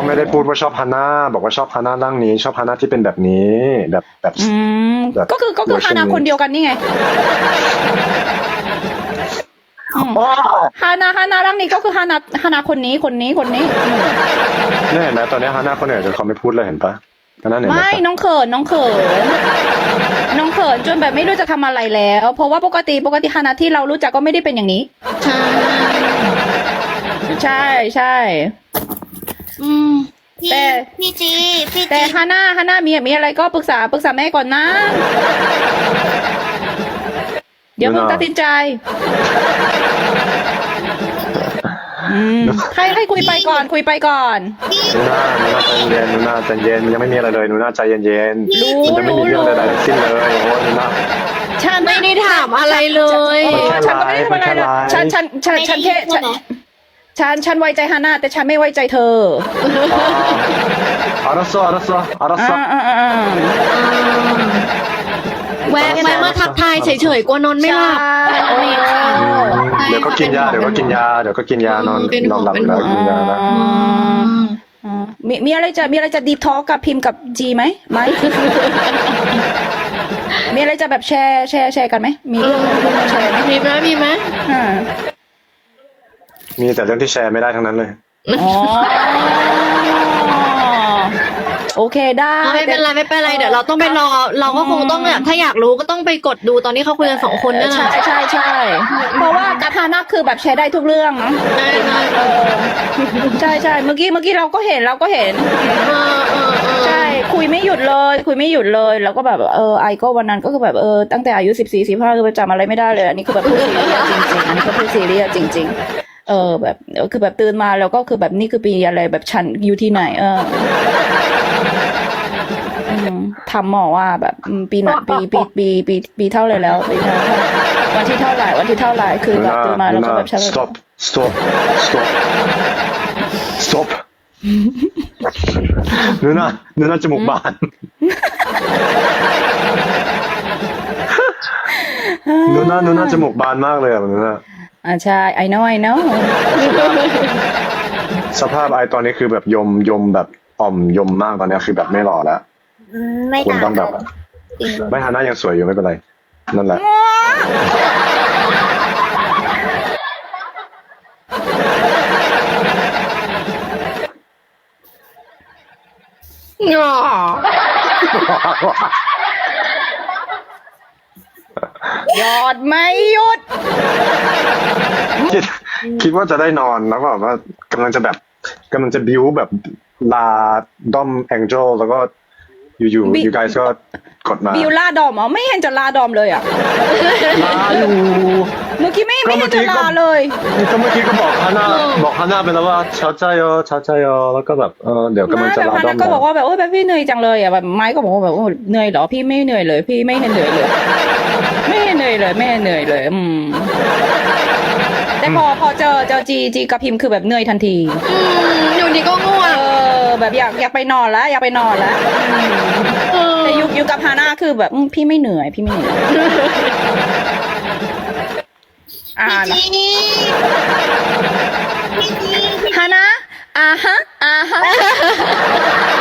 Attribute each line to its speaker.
Speaker 1: ไม่ได้พูดว่าชอบฮาน่าบอกว่าชอบฮาน่าร่างนี้ ชอบฮาน่าที่เป็นแบบนี้แบบ แบบ
Speaker 2: ก็คือ
Speaker 1: เวอร์ชั
Speaker 2: ฮานนาคนเดียวกันนี่ไงฮานาร่างนี้ก็คือฮานาคนนี้
Speaker 1: เนี่ยเห็นไหมตอนนี้ฮาน่าคนอื่นจนเขาไม่พูดเลยเห็นปะฮาน่าเห็นไหม
Speaker 2: ไม่น้องเขินจนแบบไม่รู้จะทำอะไรแล้ว เพราะว่าปกติฮานาที่เรารู้จักก็ไม่ได้เป็นอย่างนี้ ใช่
Speaker 3: พี่
Speaker 2: แต่
Speaker 3: พี่จี
Speaker 2: แต่ฮาน่ามีอะไรก็ปรึกษาแม่ก่อนนะ เดี๋ยวมึงตัดสินใจให้คุยไปก่อน
Speaker 1: นูน่าใจเย็นยังไม่มีอะไรเลยนูน่าใจเย็นมันจะไม่มีเรื่องใดๆทั้งสิ้นเลยโอ้นูน่า
Speaker 2: ฉัน
Speaker 4: ไม่ได้ถามอะไรเลย
Speaker 2: ฉันก็ไม่ได้ทำอะไรนะฉันแค่ฉันไว้ใจฮาน่าแต่ฉันไม่ไว้ใจเธอ
Speaker 1: 알았어
Speaker 4: แวะมาทักทายเฉยๆกลัวนอนไม่หลับ
Speaker 1: เดี๋ยวก็กินยานอนหลับแล้วกินยาแล้ว
Speaker 2: มีอะไรจะดีทอกับพิมพ์กับจีไหมมีอะไรจะแบบแชร์กันไหมมีเรื่องมาแชร์ไหม
Speaker 4: มีไหม
Speaker 1: มีแต่เรื่องที่แชร์ไม่ได้ทั้งนั้นเลย
Speaker 2: อ๋อโอเคได้
Speaker 4: ไม่เป็นไรเดี๋ยวเราต้องไปรอเราก็คงต้องแบบถ้าอยากรู้ก็ต้องไปกดดูตอนนี้เขาคุยกัน2 คนนั่นแหละ
Speaker 2: ใช่เพราะว่ากับฮาน่าคือแบบแชร์ได้ทุกเรื่องนะใช่เมื่อกี้เราก็เห็นใช่คุยไม่หยุดเลยแล้วก็แบบไอก็วันนั้นก็คือแบบตั้งแต่อายุ14-15คือจำอะไรไม่ได้เลยอันนี้คือแบบพูดซีเรียสจริงแบบคือแบบตื่นมาแล้วก็คือแบบนี่คือปีอะไรแบบฉันอยู่ที่ไหนทำหมอว่าแบบปีไหนปีเท่าไหร่แล้วปีเท่าวันที่เท่าไหร่คือแบบตื่นมาแล้วก็แบบฉัน
Speaker 1: stop นูน่าจมูกบานนูน่าจมูกบานมากเลยนูน่า
Speaker 2: ใช่ I know
Speaker 1: สภาพไอตอนนี้คือแบบยมแบบอ่อมยมมากตอนนี้คือแบบไม่หล่อแล้ว
Speaker 3: ไม่
Speaker 1: คุณ
Speaker 3: ต่าง
Speaker 1: ต้องแบบไม่ฮาน่ายังสวยอยู่ไม่เป็นไรนั่นแหละ
Speaker 2: ยอดไม่หยุด
Speaker 1: คิดว่าจะได้นอนแล้วก็แบบว่ากำลังจะบิ้วแบบลาด้อมแองเจิลแล้วก็อยู่you guys ก็กดมา
Speaker 2: บิวลาดอมไม่เห็นจะลาดอมเลยอ่ะ
Speaker 1: ลาอยู่
Speaker 2: เมื่อกี้ไม่เห็นจะลาเลย
Speaker 1: ก็เมื่อกี้ก็บอกฮาน่าไปแล้วว่าเช้าใจแล้วก็แบบเดี๋ยวกำลังจะลาด้อม
Speaker 2: ก็บอกว่าแบบแบบพี่เหนื่อยจังเลยอ่ะแบบไม้ก็บอกว่าแบบเหนื่อยเหรอพี่ไม่เหนื่อยเลยพี่ไม่เห็นเหนื่อยเลยแต่พอเจอจีกับพิมพ์คือแบบเหนื่อยทันที
Speaker 4: อยู่ดีก็ง่วง
Speaker 2: แบบอยากไปนอนแล้วแต่อยู่กับฮาน่าคือแบบพี่ไม่เหนื่อย
Speaker 3: พี่จี
Speaker 2: ฮาน่าฮะ